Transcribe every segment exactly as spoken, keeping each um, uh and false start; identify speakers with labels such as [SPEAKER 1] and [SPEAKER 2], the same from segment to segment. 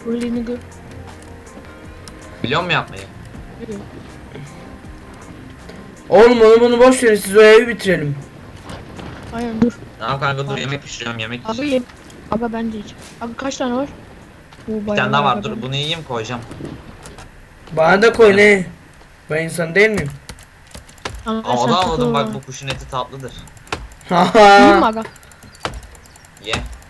[SPEAKER 1] Fulliğini gör.
[SPEAKER 2] Biliyor musun yapmayı?
[SPEAKER 1] Biliyor.
[SPEAKER 3] Oğlum onu bunu boş verin, siz o evi bitirelim.
[SPEAKER 1] Aynen dur.
[SPEAKER 2] Tamam kanka dur yemek pişiriyorum yemek
[SPEAKER 1] Aga
[SPEAKER 2] pişiriyorum.
[SPEAKER 1] ye. Aga ben de yiyeceğim. Aga kaç tane var? Oo,
[SPEAKER 2] Bir
[SPEAKER 1] bayağı
[SPEAKER 2] tane daha var
[SPEAKER 1] aga
[SPEAKER 2] dur
[SPEAKER 1] benim.
[SPEAKER 2] bunu yiyeyim koyacağım.
[SPEAKER 3] Bana da koy ne? Ben insan değil miyim?
[SPEAKER 1] Aga,
[SPEAKER 2] Aa o
[SPEAKER 1] sen
[SPEAKER 2] da almadım
[SPEAKER 1] takıl.
[SPEAKER 2] bak bu kuşun eti tatlıdır.
[SPEAKER 1] Yiyeyim mi
[SPEAKER 3] Haha.
[SPEAKER 1] aga?
[SPEAKER 2] Ye.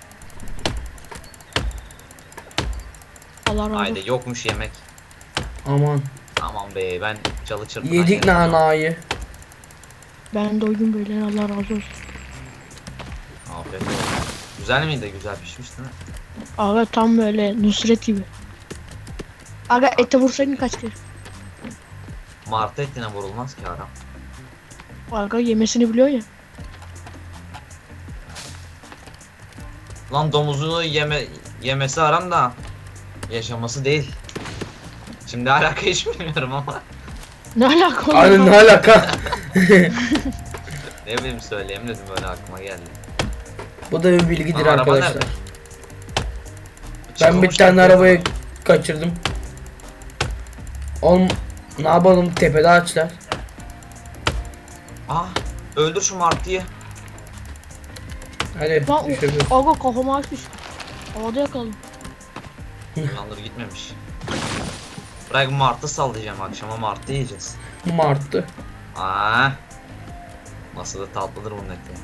[SPEAKER 1] Allah razı olsun.
[SPEAKER 2] Haydi yokmuş yemek.
[SPEAKER 3] Aman.
[SPEAKER 2] Aman be ben çalı çırpınan
[SPEAKER 3] Yedik
[SPEAKER 2] yerim.
[SPEAKER 3] nanayı.
[SPEAKER 1] Ben doydum böyle, Allah razı olsun.
[SPEAKER 2] Afiyet olsun. Güzel miydi? Güzel pişmiş değil mi?
[SPEAKER 1] Aga tam böyle Nusret gibi. Aga ete vursaydın kaç kere?
[SPEAKER 2] Martı etine vurulmaz ki aram.
[SPEAKER 1] Aga yemesini biliyor ya.
[SPEAKER 2] Lan domuzunu yeme yemesi aram da yaşaması değil. Şimdi alaka hiç bilmiyorum ama
[SPEAKER 1] Ne alaka oğlum?
[SPEAKER 3] Anne ne alaka?
[SPEAKER 2] ne bileyim söyleyeyim dedim böyle aklıma geldi.
[SPEAKER 3] Bu da bir bilgidir
[SPEAKER 2] Aa, araba
[SPEAKER 3] arkadaşlar.
[SPEAKER 2] nerede?
[SPEAKER 3] Ben bir tane arabayı kaçırdım. Oğlum ne yapalım, tepede ağaçlar.
[SPEAKER 2] Ah öldür şu martıyı.
[SPEAKER 3] Hadi
[SPEAKER 1] Lan
[SPEAKER 3] düşürdüm.
[SPEAKER 1] o- aga kafama açmış. Havada yakaladım.
[SPEAKER 2] Lan dur gitmemiş. Bırak martı sallayacağım akşama martı yiyeceğiz.
[SPEAKER 3] Martı.
[SPEAKER 2] Aa. Nasıl da tatlıdır bunun eti.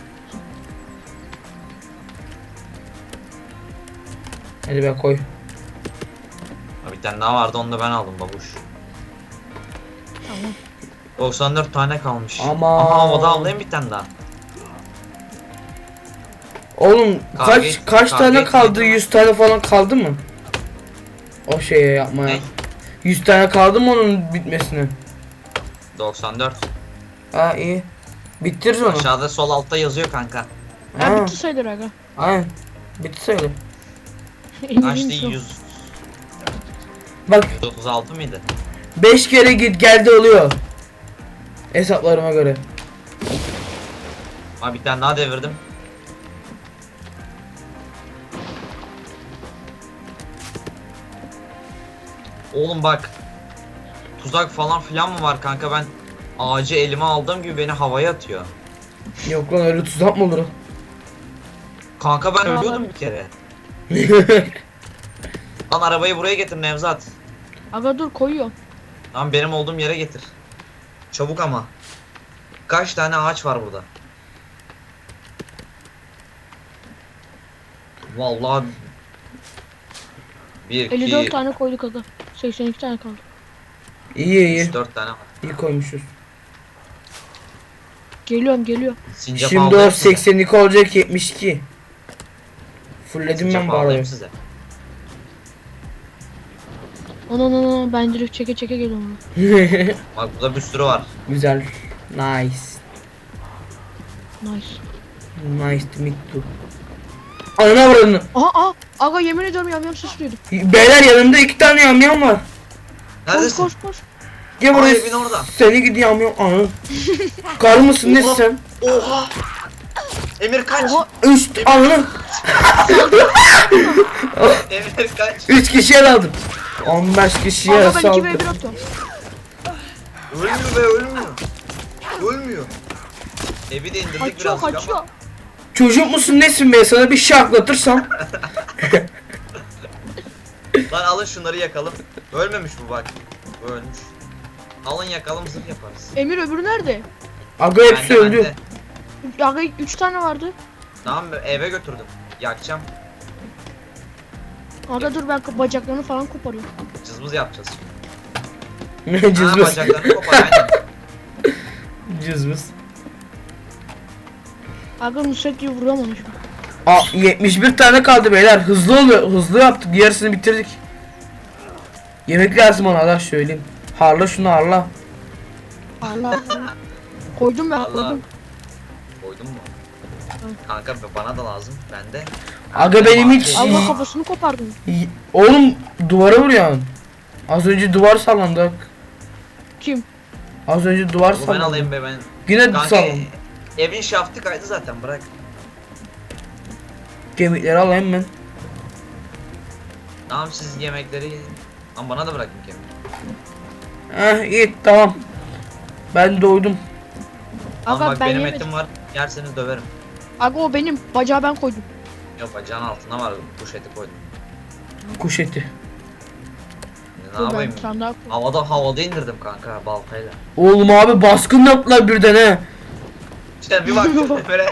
[SPEAKER 3] Hadi be koy.
[SPEAKER 2] Ha, bir tane daha vardı onu da ben aldım babuş.
[SPEAKER 1] Tamam.
[SPEAKER 2] doksan dört tane kalmış.
[SPEAKER 3] Aman.
[SPEAKER 2] Aha havada avlayayım bir tane daha.
[SPEAKER 3] Oğlum
[SPEAKER 2] Kavga
[SPEAKER 3] kaç
[SPEAKER 2] et-
[SPEAKER 3] kaç
[SPEAKER 2] kavga
[SPEAKER 3] tane
[SPEAKER 2] etmeyelim
[SPEAKER 3] kaldı?
[SPEAKER 2] ama.
[SPEAKER 3] yüz tane falan kaldı mı? O şeye yapmaya.
[SPEAKER 2] Ne?
[SPEAKER 3] yüz tane kaldı mı onun bitmesine?
[SPEAKER 2] doksan dört.
[SPEAKER 3] Ha iyi. Bitiririz onu.
[SPEAKER 2] Aşağıda sol altta yazıyor kanka.
[SPEAKER 1] Ya
[SPEAKER 3] Ha,
[SPEAKER 1] bitti sayılır aga.
[SPEAKER 3] aynen. Bitti söyle.
[SPEAKER 2] Kaçtı yüz
[SPEAKER 3] Bak
[SPEAKER 2] otuz altı mıydı?
[SPEAKER 3] beş kere git geldi oluyor. Hesaplarıma göre.
[SPEAKER 2] Ha bir tane daha devirdim. Oğlum bak. Tuzak falan filan mı var kanka ben ağacı elime aldığım gibi beni havaya atıyor.
[SPEAKER 3] Yok lan öyle tuzak mı olur?
[SPEAKER 2] Kanka ben
[SPEAKER 1] Vallahi-
[SPEAKER 2] ölüyordum bir kere. Lan arabayı buraya getir Nevzat.
[SPEAKER 1] Aga dur koyuyor.
[SPEAKER 2] Lan benim olduğum yere getir. Çabuk ama. Kaç tane ağaç var burada? Vallahi bir,
[SPEAKER 1] elli dört
[SPEAKER 2] iki,
[SPEAKER 1] tane koyduk aga. seksen iki tane kaldı.
[SPEAKER 3] iyi iyi.
[SPEAKER 2] üç, dört tane var.
[SPEAKER 3] İyi koymuşuz.
[SPEAKER 1] Geliyorum geliyor.
[SPEAKER 2] Sincap
[SPEAKER 3] Şimdi o
[SPEAKER 2] avlayayım size.
[SPEAKER 3] seksen iki olacak yetmiş iki. Fullledim
[SPEAKER 2] Sincap
[SPEAKER 3] ben bu arabayı.
[SPEAKER 2] avlayayım size.
[SPEAKER 1] Ana ana ana ben direkt çeke çeke geliyorum.
[SPEAKER 2] Bak burada bir sürü var.
[SPEAKER 3] Güzel. Nice.
[SPEAKER 1] Nice.
[SPEAKER 3] Nice to meet you. Anana vurun.
[SPEAKER 1] Aha aha. Aga yemin ediyorum yamyam ses duydum.
[SPEAKER 3] Beyler yanımda iki tane yamyam var.
[SPEAKER 1] Koş
[SPEAKER 2] Neredesin?
[SPEAKER 1] koş koş.
[SPEAKER 3] Gel
[SPEAKER 2] Aa,
[SPEAKER 3] buraya.
[SPEAKER 2] evin orada.
[SPEAKER 3] Seni gidi yamyam. Anı. Karı mısın nesin sen?
[SPEAKER 2] Oha! Emir kaç!
[SPEAKER 1] Oha.
[SPEAKER 3] Üç anı.
[SPEAKER 2] Emir kaç!
[SPEAKER 3] Üç kişiye daldım. on beş kişiye
[SPEAKER 1] Aga ben iki ve
[SPEAKER 3] saldım.
[SPEAKER 1] bir atıyorum.
[SPEAKER 2] Ölmüyor be ölmüyor. Ölmüyor. Evi de indirdik
[SPEAKER 1] Kaçıyor
[SPEAKER 2] birazcık
[SPEAKER 1] kaçıyor.
[SPEAKER 2] ama.
[SPEAKER 3] Çocuk musun nesin be, sana bir şaklatırsam.
[SPEAKER 2] Lan alın şunları yakalım. Ölmemiş bu bak. Bu ölmüş. Alın yakalım zırh yaparız.
[SPEAKER 1] Emir öbürü nerede?
[SPEAKER 3] Aga hepsi
[SPEAKER 2] Bende,
[SPEAKER 3] öldü.
[SPEAKER 2] bende.
[SPEAKER 1] Aga üç tane vardı.
[SPEAKER 2] Tamam eve götürdüm. Yakacağım.
[SPEAKER 1] Aga dur ben bacaklarını falan koparıyorum.
[SPEAKER 2] Cızbız yapacağız şimdi.
[SPEAKER 3] Ne
[SPEAKER 2] Ha,
[SPEAKER 3] cızbız.
[SPEAKER 2] bacaklarını kopar aynen.
[SPEAKER 3] Cızbız.
[SPEAKER 1] Aga Nusret gibi vuruyorum onu şimdi.
[SPEAKER 3] Aa, yetmiş bir tane kaldı beyler. Hızlı oluyor. Hızlı yaptık. Yarısını bitirdik. Yemek lazım ona da söyleyeyim. Harla şunu harla.
[SPEAKER 1] Allah. Koydum ben
[SPEAKER 2] Allah.
[SPEAKER 1] koydum.
[SPEAKER 2] Koydun mu? Kanka bana da lazım. Bende.
[SPEAKER 3] Aga benim hiç-
[SPEAKER 2] Şey-
[SPEAKER 1] Allah kafasını kopardım.
[SPEAKER 3] Y- Oğlum duvara vuruyorsun. Az önce duvar sallandı.
[SPEAKER 1] Kim?
[SPEAKER 3] Az önce duvar
[SPEAKER 2] Bunu ben
[SPEAKER 3] sallandı.
[SPEAKER 2] alayım be ben.
[SPEAKER 3] Yine
[SPEAKER 2] Kanka
[SPEAKER 3] sallandı.
[SPEAKER 2] evin şaftı kaydı zaten bırak.
[SPEAKER 3] Kemikleri alayım ben.
[SPEAKER 2] Tamam siz yemekleri yiyin. Ama bana da bırakın yemek.
[SPEAKER 3] Heh iyi tamam. Ben doydum.
[SPEAKER 2] Ama
[SPEAKER 1] Aga
[SPEAKER 2] bak
[SPEAKER 1] ben
[SPEAKER 2] benim
[SPEAKER 1] yemedim.
[SPEAKER 2] etim var. Yerseniz döverim.
[SPEAKER 1] Aga o benim. Bacağı ben koydum.
[SPEAKER 2] Yok bacağın altına var. Kuş eti koydum.
[SPEAKER 3] Kuş eti.
[SPEAKER 2] Ne
[SPEAKER 1] Dur ben
[SPEAKER 2] yapayım?
[SPEAKER 1] bir tane daha koydum.
[SPEAKER 2] Havada havada indirdim kanka baltayla.
[SPEAKER 3] Oğlum abi baskın yaptılar birden he.
[SPEAKER 2] İşte bir baktım böyle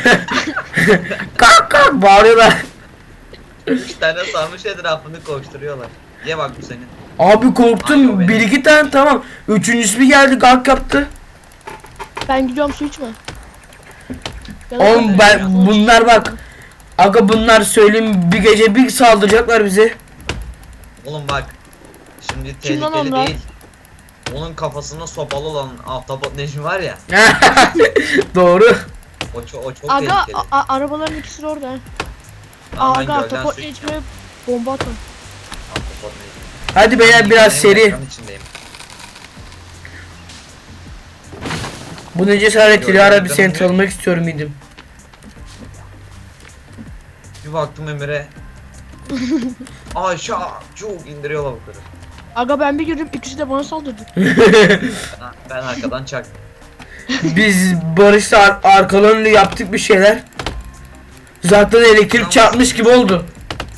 [SPEAKER 3] Kalk kalk bağırıyorlar.
[SPEAKER 2] üç tane sarmış etrafını koşturuyorlar. Ye bak bu senin.
[SPEAKER 3] Abi
[SPEAKER 2] Ay, o
[SPEAKER 3] korktum.
[SPEAKER 2] benim.
[SPEAKER 3] Bir iki tane tamam. Üçüncüsü bir geldi kalk yaptı.
[SPEAKER 1] Ben gidiyorum su içme. Ya da
[SPEAKER 3] Oğlum
[SPEAKER 1] ben-
[SPEAKER 3] ben bunlar bak. Aga bunlar söyleyeyim bir gece bir saldıracaklar bize.
[SPEAKER 2] Oğlum bak. Şimdi
[SPEAKER 1] Kim lan
[SPEAKER 2] tehlikeli
[SPEAKER 1] onlar?
[SPEAKER 2] değil. Onun kafasında sopalı olan ahtapot Necmi var ya.
[SPEAKER 3] Doğru.
[SPEAKER 2] O çok, o çok
[SPEAKER 1] Aga
[SPEAKER 2] tehlikeli.
[SPEAKER 1] a- a- arabaların ikisi de orada.
[SPEAKER 2] Tamam, ben
[SPEAKER 1] Aga
[SPEAKER 2] gölden
[SPEAKER 1] topot
[SPEAKER 2] su
[SPEAKER 1] ne
[SPEAKER 2] içeceğim.
[SPEAKER 1] içmeye bomba atın.
[SPEAKER 2] Ahtapot Necmi.
[SPEAKER 3] Hadi beyler
[SPEAKER 2] Ben
[SPEAKER 3] biraz
[SPEAKER 2] içindeyim,
[SPEAKER 3] seri.
[SPEAKER 2] ekran içindeyim.
[SPEAKER 3] Bu ne cesaret
[SPEAKER 2] Gördüm,
[SPEAKER 3] Dilara bir
[SPEAKER 2] gördüm.
[SPEAKER 3] seni tanımak istiyorum idim.
[SPEAKER 2] Bir baktım Emre. Aşağı çok indiriyor lavukları.
[SPEAKER 1] Aga ben bir girdim ikisi de bana saldırdı.
[SPEAKER 2] Ben, ben arkadan çaktım.
[SPEAKER 3] Biz Barış'la ar arkalarında yaptık bir şeyler. Zaten elektrik çarpmış gibi oldu.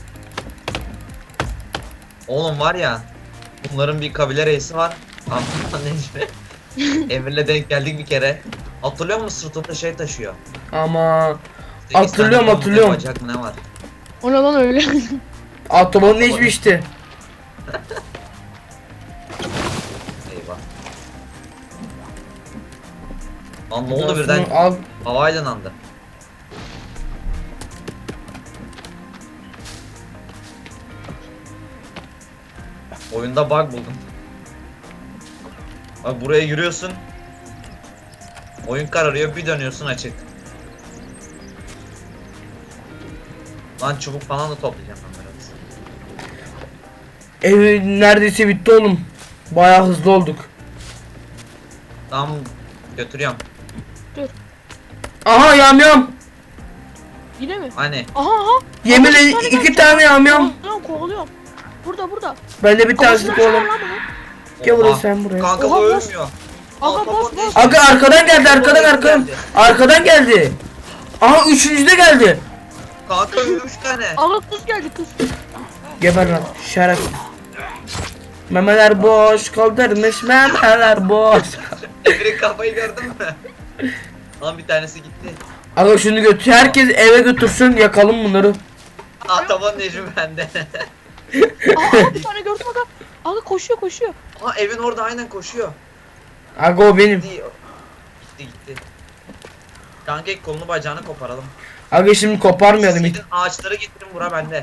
[SPEAKER 2] Oğlum var ya. Bunların bir kabile reisi var. Ahtapot Necmi. Emir'le denk geldik bir kere. Hatırlıyor musun sırtında şey taşıyor?
[SPEAKER 3] Ama
[SPEAKER 2] Sekiz
[SPEAKER 3] Hatırlıyorum,
[SPEAKER 2] tane
[SPEAKER 3] hatırlıyorum.
[SPEAKER 2] Bacak mı ne var?
[SPEAKER 1] O ne lan öyle?
[SPEAKER 3] Autobahn ne içmişti?
[SPEAKER 2] Eyvah. Lan ne oldu birden?
[SPEAKER 3] Şunu Al.
[SPEAKER 2] Havayla nandı. Oyunda bug buldum. Bak buraya yürüyorsun. Oyun kararıyor, bir dönüyorsun açık. Lan çubuk falan da toplayacağım ben biraz.
[SPEAKER 3] Ev neredeyse bitti oğlum. Bayağı hızlı olduk.
[SPEAKER 2] Tamam götürüyorum.
[SPEAKER 3] Aha yamyam.
[SPEAKER 1] Yine mi?
[SPEAKER 2] Hani
[SPEAKER 1] Aha aha.
[SPEAKER 3] Yemin
[SPEAKER 1] Aga, bir
[SPEAKER 3] ederim iki
[SPEAKER 1] geldi.
[SPEAKER 3] tane yamyam.
[SPEAKER 1] Kovalıyorum kovalıyorum. Burada burada.
[SPEAKER 3] Ben de bir tanesini
[SPEAKER 1] Kafasına
[SPEAKER 3] kovalım.
[SPEAKER 1] çıkar lan bunu.
[SPEAKER 3] Gel buraya
[SPEAKER 2] Oha.
[SPEAKER 3] sen buraya.
[SPEAKER 2] Kanka
[SPEAKER 1] Oha,
[SPEAKER 2] bu
[SPEAKER 1] boss.
[SPEAKER 2] ölmüyor.
[SPEAKER 1] Aga
[SPEAKER 2] Ahtapot
[SPEAKER 1] boss
[SPEAKER 2] ne
[SPEAKER 1] boss.
[SPEAKER 2] işi-
[SPEAKER 3] Aga arkadan geldi arkadan
[SPEAKER 2] Oraya
[SPEAKER 3] arkadan.
[SPEAKER 2] geldi.
[SPEAKER 3] Arkadan geldi. Aha üçüncü de geldi.
[SPEAKER 2] Kanka üç tane.
[SPEAKER 1] Aga kız geldi kız.
[SPEAKER 3] Geber lan şeref. Memeler boş kaldırmış memeler boş.
[SPEAKER 2] Emir'in kafayı gördün mü? Lan bir tanesi gitti.
[SPEAKER 3] Aga şunu götür herkes eve götürsün yakalım bunları.
[SPEAKER 2] Ahtapot Necmi bende.
[SPEAKER 1] Aa bir tane gördüm aga. Aga koşuyor koşuyor.
[SPEAKER 2] Aa evin orada aynen koşuyor.
[SPEAKER 3] Aga o benim.
[SPEAKER 2] Gitti gitti. gitti. Kanka ilk kolunu bacağını koparalım.
[SPEAKER 3] Aga şimdi koparmayalım hiç.
[SPEAKER 2] Gidin ağaçları getirin bura bende.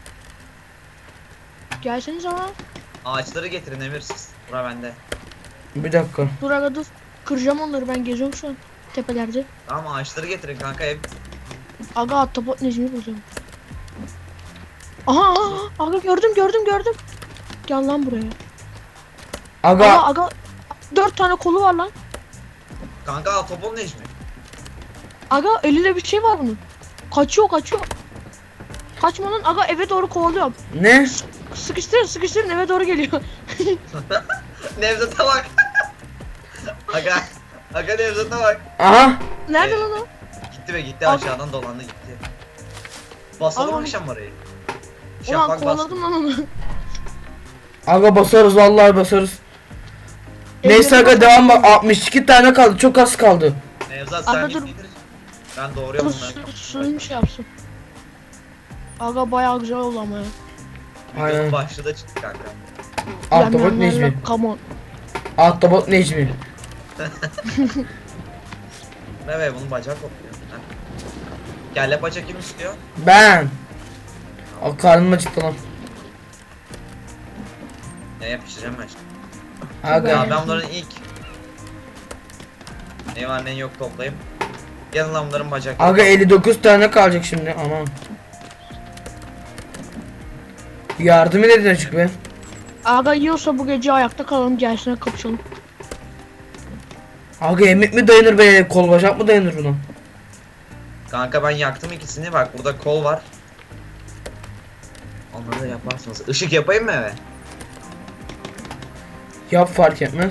[SPEAKER 1] Gelseniz ama.
[SPEAKER 2] Ağaçları getirin Emir siz. Bura bende.
[SPEAKER 3] Bir dakika.
[SPEAKER 1] Dur aga dur. Kıracağım onları ben geziyorum şu an. Tepelerde.
[SPEAKER 2] Tamam ağaçları getirin kanka ev.
[SPEAKER 1] Aga ahtapot Necmi bulacağım. Aha, aha aha. Aga gördüm gördüm gördüm. Gel lan buraya.
[SPEAKER 3] Aga
[SPEAKER 1] Aga aga. Dört tane kolu var lan.
[SPEAKER 2] Kanka Ahtapot Necmi.
[SPEAKER 1] Aga elinde bir şey var bunun. Kaçıyor kaçıyor. Kaçma lan aga eve doğru kovalıyorum.
[SPEAKER 3] ne?
[SPEAKER 1] Sıkıştırın sıkıştırın eve doğru geliyor.
[SPEAKER 2] Nevzat'a bak. Aga. Aga Nevzat'a bak.
[SPEAKER 3] Aha.
[SPEAKER 1] Nerede
[SPEAKER 2] Ee,
[SPEAKER 1] lan o?
[SPEAKER 2] Gitti ve gitti
[SPEAKER 1] Al.
[SPEAKER 2] aşağıdan dolandı gitti. Basalım
[SPEAKER 1] Al onu.
[SPEAKER 2] akşam orayı.
[SPEAKER 1] Ulan
[SPEAKER 2] Şafak bas.
[SPEAKER 1] kovaladım lan onu.
[SPEAKER 3] Aga basarız vallahi basarız. Neyse aga devam bak altmış iki tane kaldı çok az kaldı.
[SPEAKER 2] Nevzat sen
[SPEAKER 1] Aga
[SPEAKER 2] git
[SPEAKER 1] dur.
[SPEAKER 2] getir. Ben doğruyorum
[SPEAKER 1] Aga
[SPEAKER 2] bunları.
[SPEAKER 1] su, suyun şey yapsın. Aga bayağı güzel oldu ama ya.
[SPEAKER 3] Aynen.
[SPEAKER 2] Videonun başlığı da çıktı kanka.
[SPEAKER 3] Ahtapot
[SPEAKER 1] Yam, yam, yam,
[SPEAKER 3] Necmi.
[SPEAKER 1] yam, Come on.
[SPEAKER 3] Ahtapot Necmi.
[SPEAKER 2] Ne be bunun bacağı kopuyor. Ha? Kelle paça kim istiyor?
[SPEAKER 3] Ben. O karnım acıktı lan.
[SPEAKER 2] Ne yapıştıracağım ben şimdi.
[SPEAKER 3] Aga.
[SPEAKER 2] Ya ben bunların ilk ne var ne yok toplayayım. Gelin lan bunların bacakları.
[SPEAKER 3] Aga elli dokuz tane kalacak şimdi aman. Yardım edin açık be.
[SPEAKER 1] Aga yiyorsa bu gece ayakta kalalım gelsene kapışalım.
[SPEAKER 3] Aga yemek mi dayanır be kol bacak mı dayanır buna?
[SPEAKER 2] Kanka ben yaktım ikisini bak burada kol var. Ama Onları yaparsınız. Işık yapayım mı eve?
[SPEAKER 3] Yap, fark etmez.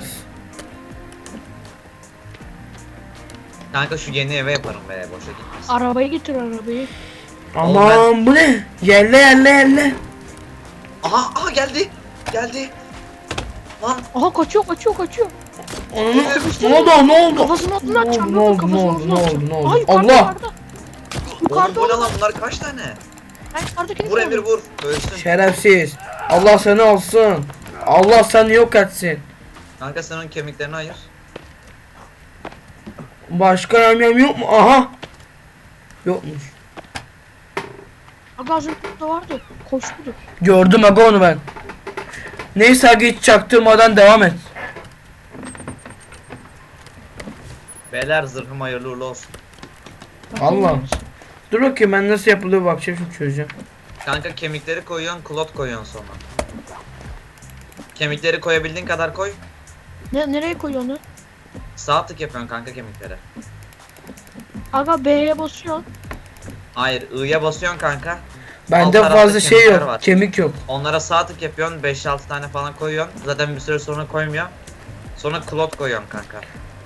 [SPEAKER 2] Kanka şu yeni eve yaparım be, boşa gitmesin.
[SPEAKER 1] Arabayı getir arabayı.
[SPEAKER 3] Aman bu ne? Yerle yerle yerle.
[SPEAKER 2] Aha aha geldi. Geldi. Lan
[SPEAKER 1] Aha kaçıyor kaçıyor kaçıyor.
[SPEAKER 3] Onun ne oldu? Ne oldu?
[SPEAKER 1] Kafasının
[SPEAKER 3] Ne
[SPEAKER 1] altından
[SPEAKER 3] oldu?
[SPEAKER 1] çarptı.
[SPEAKER 3] Ne oldu? Ne
[SPEAKER 1] Kafasının
[SPEAKER 3] oldu? Ne
[SPEAKER 1] altından
[SPEAKER 3] oldu?
[SPEAKER 1] çarptı.
[SPEAKER 3] Ne oldu?
[SPEAKER 1] Aha yukarıda
[SPEAKER 3] Allah!
[SPEAKER 1] yukarıda.
[SPEAKER 2] oğlum
[SPEAKER 1] Yukarıda
[SPEAKER 2] bu ne
[SPEAKER 1] oğlum.
[SPEAKER 2] lan, bunlar kaç tane?
[SPEAKER 1] Ben yukarıdakini
[SPEAKER 2] Vur Emir
[SPEAKER 1] gördüm.
[SPEAKER 2] vur. Ölsün.
[SPEAKER 3] Şerefsiz. Allah seni alsın. Allah seni yok etsin.
[SPEAKER 2] Kanka sen onun kemiklerini ayır.
[SPEAKER 3] Başka yamyam yok mu? Aha. Yokmuş.
[SPEAKER 1] Aga az önce burada vardı. Koştudu.
[SPEAKER 3] Gördüm aga onu ben. Neyse aga hiç çaktırmadan devam et.
[SPEAKER 2] Beyler zırhım hayırlı uğurlu olsun.
[SPEAKER 3] Allah. Dur bakayım ben nasıl yapılıyor bakacağım, şimdi çözeceğim.
[SPEAKER 2] Kanka kemikleri koyuyorsun, klot koyuyorsun sonra. Kemikleri koyabildiğin kadar koy.
[SPEAKER 1] Ne, nereye koyuyor onu?
[SPEAKER 2] Sağ tık yapıyorsun kanka kemikleri.
[SPEAKER 1] Aga B'ye basıyor.
[SPEAKER 2] Hayır, I'ya basıyorsun kanka.
[SPEAKER 3] Bende
[SPEAKER 2] Alt tarafta
[SPEAKER 3] fazla şey
[SPEAKER 2] kemikler
[SPEAKER 3] yok.
[SPEAKER 2] var.
[SPEAKER 3] Kemik yok.
[SPEAKER 2] Onlara sağ tık yapıyorsun, beş altı tane falan koyuyorsun. Zaten bir süre sonra koymuyor. Sonra klot koyuyorsun kanka.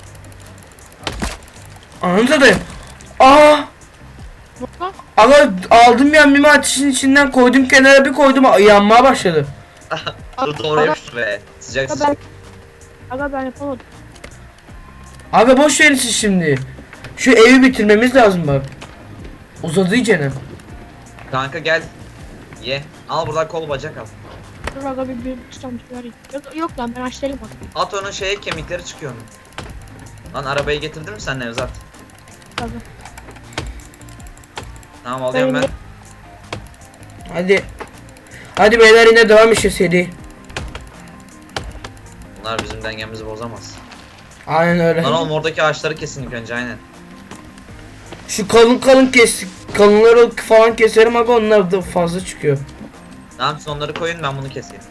[SPEAKER 3] Anladın mı? Aa!
[SPEAKER 1] Bak.
[SPEAKER 3] Aga aldım yamyamı ateşin içinden koydum kenara, bir koydum yanmaya başladı.
[SPEAKER 2] Dur doğru yap be. Sıcak
[SPEAKER 1] Aga
[SPEAKER 2] sıcak.
[SPEAKER 1] ben, aga ben yapamadım.
[SPEAKER 3] Aga boş verin siz şimdi. Şu evi bitirmemiz lazım bak. Uzadı iyicene.
[SPEAKER 2] Kanka gel. Ye. Al buradan kol bacak al.
[SPEAKER 1] Dur aga bir bir tutam vereyim. Yok, yok lan ben açtırayım bak.
[SPEAKER 2] At onun şeye, kemikleri çıkıyor onun. Lan arabayı getirdin mi sen Nevzat?
[SPEAKER 1] Aga.
[SPEAKER 2] Tamam alıyorum ben.
[SPEAKER 1] Ben-
[SPEAKER 3] Hadi. Hadi beyler yine devam işte seri.
[SPEAKER 2] Bunlar bizim dengemizi bozamaz.
[SPEAKER 3] Aynen öyle.
[SPEAKER 2] Lan oğlum oradaki ağaçları kesin ilk önce, aynen.
[SPEAKER 3] Şu kalın kalın kes, kalınları falan keserim aga, onlar da fazla çıkıyor.
[SPEAKER 2] Tamam siz onları koyun, ben bunu keseyim.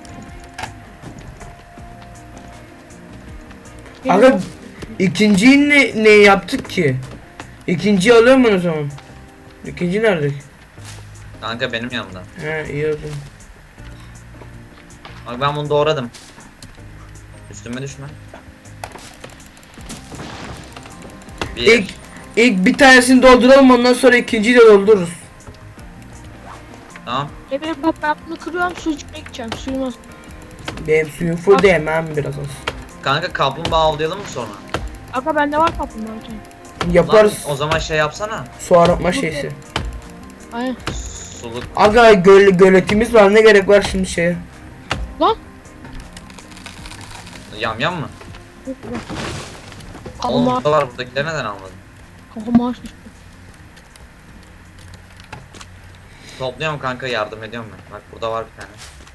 [SPEAKER 3] Aga ikinciyi ne, ne yaptık ki? İkinciyi alıyorum ben o zaman. İkinci nerede?
[SPEAKER 2] Kanka benim yanımda.
[SPEAKER 3] He iyi oldu.
[SPEAKER 2] Bak ben bunu doğradım. Üstüme düşme. Bir.
[SPEAKER 3] İlk, ilk bir tanesini dolduralım, ondan sonra ikinciyi de doldururuz.
[SPEAKER 2] Tamam.
[SPEAKER 1] Emir bak ben bunu kırıyorum su içmeye gideceğim. Suyum az.
[SPEAKER 3] Benim suyum full de hemen biraz az.
[SPEAKER 2] Kanka kaplumbağa avlayalım mı sonra?
[SPEAKER 1] Aga bende var kaplumbağa bir tane.
[SPEAKER 3] Yaparız.
[SPEAKER 2] Lan, o zaman şey yapsana.
[SPEAKER 3] Su arıtma şeysi.
[SPEAKER 1] Aynen.
[SPEAKER 2] Suluk.
[SPEAKER 3] Aga göl, göletimiz var, ne gerek var şimdi şeye?
[SPEAKER 1] Lan.
[SPEAKER 2] Yam yam mı?
[SPEAKER 1] Yok lan.
[SPEAKER 2] Oğlum
[SPEAKER 1] Kaplumbağa.
[SPEAKER 2] burada var, buradakileri neden almadın?
[SPEAKER 1] Kaplumbağa düştü.
[SPEAKER 2] Topluyorum kanka, yardım ediyorum ben. Bak burada var bir tane.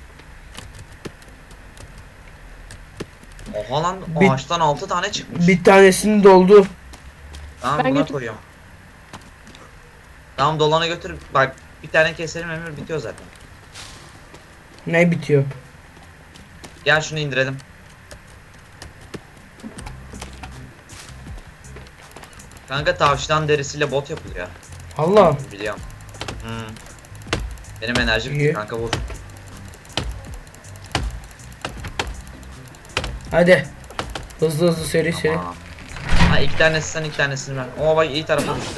[SPEAKER 2] Oha lan, o
[SPEAKER 3] Bir-
[SPEAKER 2] ağaçtan altı tane çıkmış.
[SPEAKER 3] Bir tanesini doldu.
[SPEAKER 2] Tamam
[SPEAKER 1] Ben
[SPEAKER 2] buna
[SPEAKER 1] götür-
[SPEAKER 2] koyuyorum. Tamam dolana götür. Bak bir tane keselim, Emir, bitiyor zaten.
[SPEAKER 3] Ne bitiyor?
[SPEAKER 2] Gel şunu indirelim. Kanka tavşan derisiyle bot yapılıyor.
[SPEAKER 3] Allah.
[SPEAKER 2] Biliyorum. Hmm. Benim enerjim
[SPEAKER 3] İyi.
[SPEAKER 2] kanka, vur.
[SPEAKER 3] Hadi. Hızlı hızlı seri seri.
[SPEAKER 2] Tamam. Ha iki tanesi sen, iki tanesini ben. Oo bak iyi tarafa düştü.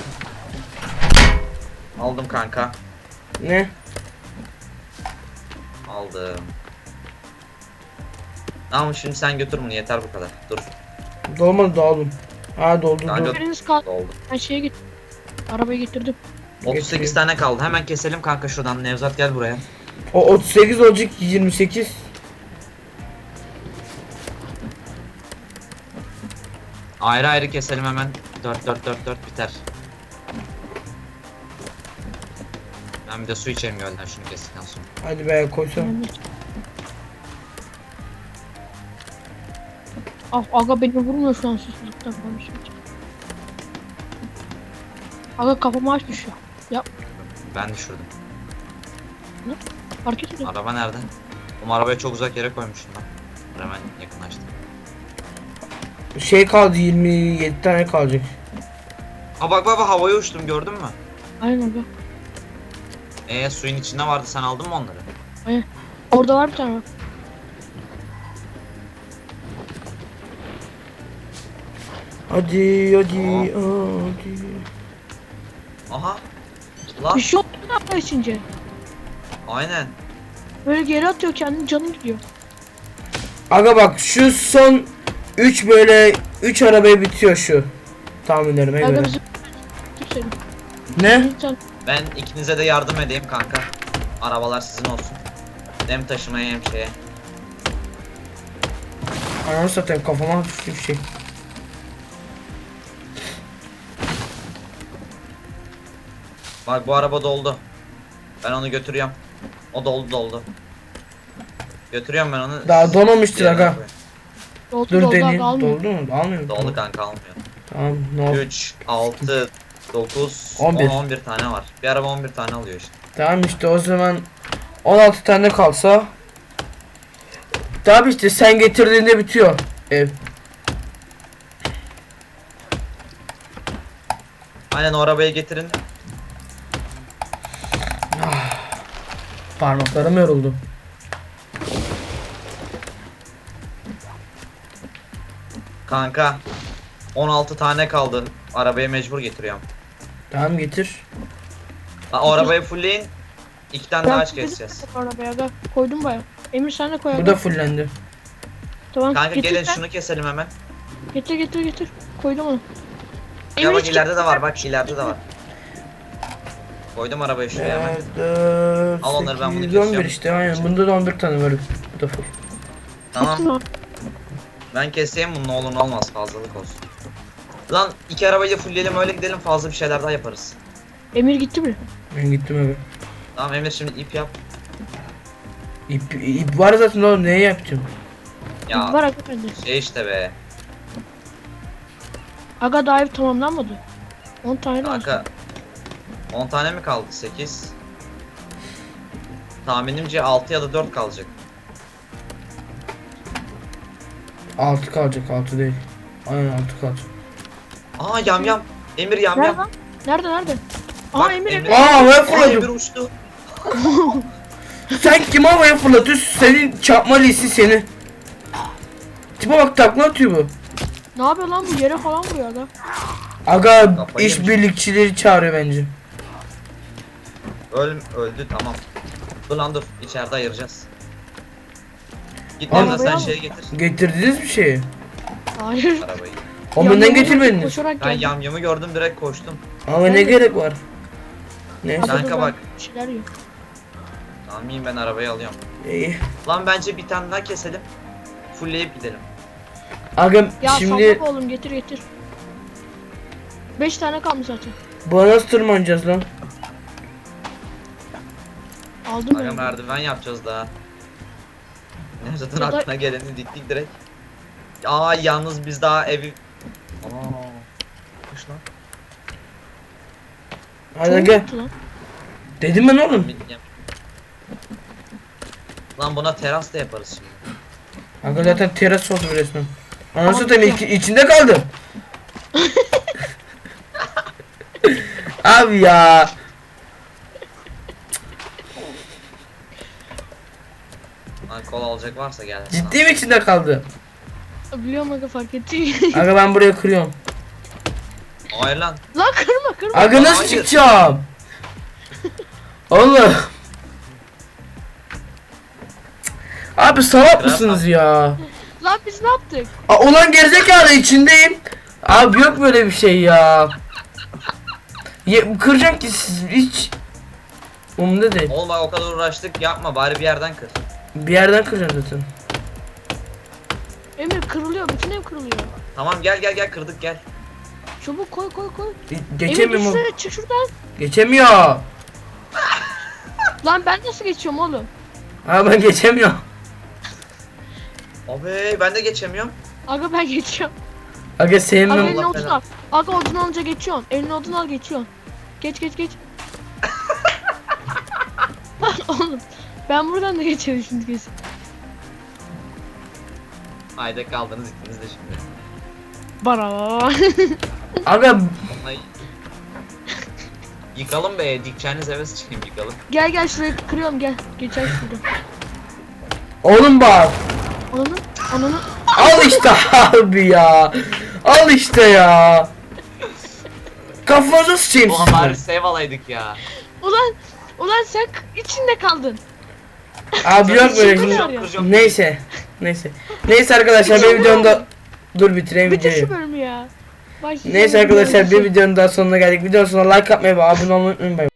[SPEAKER 2] Aldım kanka.
[SPEAKER 3] Ne?
[SPEAKER 2] Aldım. Tamam şimdi sen götür bunu, yeter bu kadar. Dur.
[SPEAKER 3] Dolmadı, doldu. Ha doldu
[SPEAKER 2] Kanka-
[SPEAKER 3] doldu.
[SPEAKER 1] Biriniz kaldı.
[SPEAKER 2] Oldu.
[SPEAKER 1] Ben şeye git. Arabayı getirdim.
[SPEAKER 2] otuz sekiz
[SPEAKER 3] Getireyim.
[SPEAKER 2] tane kaldı. Hemen keselim kanka şuradan. Nevzat gel buraya.
[SPEAKER 3] O otuz sekiz olacak, yirmi sekiz.
[SPEAKER 2] Ayrı ayrı keselim hemen. dört dört dört dört biter. Ben bir de su içeyim gölden şunu kestikten sonra.
[SPEAKER 3] Hadi be koysana.
[SPEAKER 1] Ben de- Ah aga beni vurmuyor şu an susuzluktan konuşunca. Aga kafama aç düşüyor.
[SPEAKER 2] Ben düşürdüm.
[SPEAKER 1] Fark etmiyor.
[SPEAKER 2] Araba nerede? Oğlum arabayı çok uzak yere koymuştum ben. Hemen yakınlaştım.
[SPEAKER 3] Şey kaldı, yirmi yedi tane kalacak.
[SPEAKER 2] Aa bak bak bak, havaya uçtum, gördün mü?
[SPEAKER 1] Aynen aga.
[SPEAKER 2] Ee suyun içinde vardı, sen aldın mı onları?
[SPEAKER 1] Aynen. Orada var bir tane bak.
[SPEAKER 3] Hadi hadi hadi.
[SPEAKER 2] Aha. Lan
[SPEAKER 1] Bir şey oldu mu içince?
[SPEAKER 2] aynen.
[SPEAKER 1] Böyle geri atıyor kendini, canı gidiyor.
[SPEAKER 3] Aga bak şu son üç böyle üç arabaya bitiyor şu. Tahminlerime
[SPEAKER 1] Aga
[SPEAKER 3] göre.
[SPEAKER 1] bizim kimsenin.
[SPEAKER 3] Ne?
[SPEAKER 1] Bir tane.
[SPEAKER 2] Ben ikinize de yardım edeyim kanka. Arabalar sizin olsun. Hem taşımaya hem şeye.
[SPEAKER 3] Ananı satayım kafama düştü bir şey.
[SPEAKER 2] Bak bu araba doldu. Ben onu götürüyorum. O doldu doldu. Götürüyorum ben onu.
[SPEAKER 3] Daha
[SPEAKER 2] Siz
[SPEAKER 3] dolmamıştır
[SPEAKER 2] yerine
[SPEAKER 3] aga.
[SPEAKER 2] koyun.
[SPEAKER 1] Doldu
[SPEAKER 3] Dur
[SPEAKER 1] doldu aga,
[SPEAKER 3] deneyeyim.
[SPEAKER 1] almıyor.
[SPEAKER 3] Doldu mu? Almıyor mu?
[SPEAKER 2] Doldu kanka almıyor.
[SPEAKER 3] Tamam no.
[SPEAKER 2] üç, altı, dokuz,
[SPEAKER 3] on bir.
[SPEAKER 2] on, on bir tane var. Bir araba on bir tane alıyor işte.
[SPEAKER 3] Tamam işte o zaman on altı tane kalsa. Tabi işte sen getirdiğinde bitiyor ev.
[SPEAKER 2] Aynen o arabayı getirin.
[SPEAKER 3] Parmaklarım yoruldu.
[SPEAKER 2] Kanka on altı tane kaldı. Arabaya mecbur getiriyorum.
[SPEAKER 3] Tamam getir.
[SPEAKER 2] Ha, o arabayı fullleyin. İki tane daha
[SPEAKER 1] Ben
[SPEAKER 2] aç keseceğiz.
[SPEAKER 1] arabaya aga. Koydum baya. Emir sen de koy
[SPEAKER 3] Bu
[SPEAKER 1] aga.
[SPEAKER 3] da fullendi.
[SPEAKER 1] Tamam.
[SPEAKER 2] Kanka
[SPEAKER 1] getir
[SPEAKER 2] gelin
[SPEAKER 1] sen.
[SPEAKER 2] şunu keselim hemen.
[SPEAKER 1] Getir getir getir. Koydum onu.
[SPEAKER 2] Ya bak
[SPEAKER 1] hiç
[SPEAKER 2] ileride de var bak ileride de var. Koydum arabayı şuraya hemen.
[SPEAKER 3] dört,
[SPEAKER 2] Al onları, ben bunu
[SPEAKER 3] sekiz, on bir
[SPEAKER 2] kesiyorum.
[SPEAKER 3] işte aynen. Bunda da on bir tane var. Bu da full.
[SPEAKER 2] Tamam.
[SPEAKER 1] Tamam.
[SPEAKER 2] Ben keseyim bunu, ne olur ne olmaz, fazlalık olsun. Lan iki arabayı da fullleyelim öyle gidelim, fazla bir şeyler daha yaparız.
[SPEAKER 1] Emir gitti mi?
[SPEAKER 3] Ben gittim eve.
[SPEAKER 2] Tamam Emir şimdi ip yap.
[SPEAKER 3] İp, ip var zaten oğlum neye yapacağım?
[SPEAKER 2] Ya
[SPEAKER 1] Var aga bende.
[SPEAKER 2] şey işte be.
[SPEAKER 1] Aga daha ev tamamlanmadı. on tane lazım.
[SPEAKER 2] Kanka on tane mi kaldı? sekiz. Tahminimce altı ya da dört kalacak.
[SPEAKER 3] altı kalacak altı değil. Aynen altı kalacak.
[SPEAKER 2] Aa yam yam. Emir yam
[SPEAKER 1] Nerede
[SPEAKER 2] yam.
[SPEAKER 1] lan? Nerede nerede? Aa
[SPEAKER 2] Bak,
[SPEAKER 1] Emir
[SPEAKER 2] Emir-
[SPEAKER 1] Emir.
[SPEAKER 3] Aa havaya
[SPEAKER 2] Aa Emir
[SPEAKER 3] fırladım.
[SPEAKER 2] uçtu.
[SPEAKER 3] Sen kim havaya fırlatıyorsun? Senin çarpma lisi seni. Tipe bak takla atıyor bu.
[SPEAKER 1] Ne yapıyor lan bu, yere falan vuruyor aga.
[SPEAKER 3] Aga
[SPEAKER 2] Kafayı
[SPEAKER 3] iş
[SPEAKER 2] yemiş.
[SPEAKER 3] birlikçileri çağırıyor bence.
[SPEAKER 2] Öl, öldü tamam. Dur lan dur, içeride ayıracağız. Git
[SPEAKER 3] Abi-
[SPEAKER 2] Emre sen şeye getir
[SPEAKER 3] Getirdiniz bir şeyi.
[SPEAKER 1] Hayır.
[SPEAKER 2] arabayı.
[SPEAKER 3] O
[SPEAKER 1] Yanına
[SPEAKER 3] benden
[SPEAKER 1] vurdu,
[SPEAKER 3] getirmediniz.
[SPEAKER 1] Koşarak
[SPEAKER 2] Ben
[SPEAKER 1] geldi.
[SPEAKER 2] yamyamı gördüm direkt koştum.
[SPEAKER 3] Ama ne
[SPEAKER 1] Evet.
[SPEAKER 3] gerek var? Neyse.
[SPEAKER 1] Aga,
[SPEAKER 2] Kanka
[SPEAKER 1] dur,
[SPEAKER 2] bak.
[SPEAKER 1] ben bir şeyler yiyor.
[SPEAKER 2] Tamam iyiyim, ben arabayı alıyorum.
[SPEAKER 3] İyi.
[SPEAKER 2] Lan bence bir tane daha keselim. Fullleyip gidelim.
[SPEAKER 3] Aga
[SPEAKER 1] Ya
[SPEAKER 3] şimdi
[SPEAKER 1] sallama oğlum, getir getir. beş tane kalmış zaten.
[SPEAKER 3] buna nasıl tırmanacağız lan?
[SPEAKER 1] Aldım
[SPEAKER 2] Aga
[SPEAKER 1] ben.
[SPEAKER 2] merdiven yapacağız daha. Nevzat'ın
[SPEAKER 1] Ya da-
[SPEAKER 2] aklına geleni diktik direkt. Aa yalnız biz daha evi... Aa. Kuş lan.
[SPEAKER 3] Hadi
[SPEAKER 1] Çok
[SPEAKER 3] aga.
[SPEAKER 1] kötü lan.
[SPEAKER 3] Dedim ben oğlum.
[SPEAKER 2] Lan buna teras da yaparız şimdi.
[SPEAKER 3] Aga zaten teras oldu resmen. Anasını
[SPEAKER 1] Ama
[SPEAKER 3] satayım
[SPEAKER 1] güzel.
[SPEAKER 3] içi- içinde kaldım. Abi ya.
[SPEAKER 2] Lan kol alacak varsa gelsin.
[SPEAKER 3] Ciddi mi içinde kaldı?
[SPEAKER 1] Biliyorum aga, fark etti.
[SPEAKER 3] Aga ben buraya kırıyorum.
[SPEAKER 2] Hayır lan.
[SPEAKER 1] Lan kırma kırma.
[SPEAKER 3] Aga nasıl
[SPEAKER 2] Hayır.
[SPEAKER 3] çıkacağım? Oğlum. Abi salak mısınız ya?
[SPEAKER 1] Lan biz ne yaptık?
[SPEAKER 3] Aa, ulan gerizekalı içindeyim. Abi yok böyle bir şey ya. Ye, kıracağım ki siz hiç. Umurumda değil.
[SPEAKER 2] Oğlum bak o kadar uğraştık, yapma bari bir yerden kır.
[SPEAKER 3] Bir yerden kıracağım zaten.
[SPEAKER 1] Emir kırılıyor, bütün ev kırılıyor.
[SPEAKER 2] Tamam gel gel gel, kırdık gel.
[SPEAKER 1] Çabuk koy koy koy.
[SPEAKER 3] Ge-
[SPEAKER 1] Emir
[SPEAKER 3] Geçemiyorum. oğlum.
[SPEAKER 1] düşsene, çık şuradan.
[SPEAKER 3] Geçemiyor.
[SPEAKER 1] Lan ben nasıl geçiyorum oğlum?
[SPEAKER 3] Ha ben geçemiyorum.
[SPEAKER 2] Abi ben de geçemiyorum.
[SPEAKER 1] Aga ben geçiyorum.
[SPEAKER 3] Aga
[SPEAKER 1] Aga
[SPEAKER 3] sevmem.
[SPEAKER 1] eline
[SPEAKER 2] Allah
[SPEAKER 1] odun
[SPEAKER 2] belanı.
[SPEAKER 1] al. Aga odun alınca geçiyorsun. Eline odun al, geçiyorsun. Geç geç geç. Oğlum ben buradan da geçerim şimdi kesin.
[SPEAKER 2] Hayda kaldınız ikiniz de şimdi.
[SPEAKER 1] Bara.
[SPEAKER 3] Aga
[SPEAKER 2] Vallahi Yıkalım be, dikeceğiniz eve sıçayım yıkalım.
[SPEAKER 1] Gel gel şurayı kırıyorum gel. Geçer şurada.
[SPEAKER 3] Oğlum bak.
[SPEAKER 1] Ananı ananı.
[SPEAKER 3] Al işte abi ya. Al işte ya. Kafanıza sıçayım
[SPEAKER 2] Ulan bari
[SPEAKER 3] sizin.
[SPEAKER 2] save alaydık ya.
[SPEAKER 1] Ulan ulan sen k- içinde kaldın.
[SPEAKER 3] Abi yok böyle
[SPEAKER 1] Şaka
[SPEAKER 3] şimdi.
[SPEAKER 1] ya.
[SPEAKER 2] Kıracağım.
[SPEAKER 3] Neyse. Neyse. Neyse arkadaşlar bir videonun da dur bitireyim
[SPEAKER 1] Bitir şu
[SPEAKER 3] videoyu.
[SPEAKER 1] bölümü ya. Başlayalım.
[SPEAKER 3] Neyse arkadaşlar bir videonun daha sonuna geldik. Videonun sonuna like atmayı ve abone olmayı unutmayın.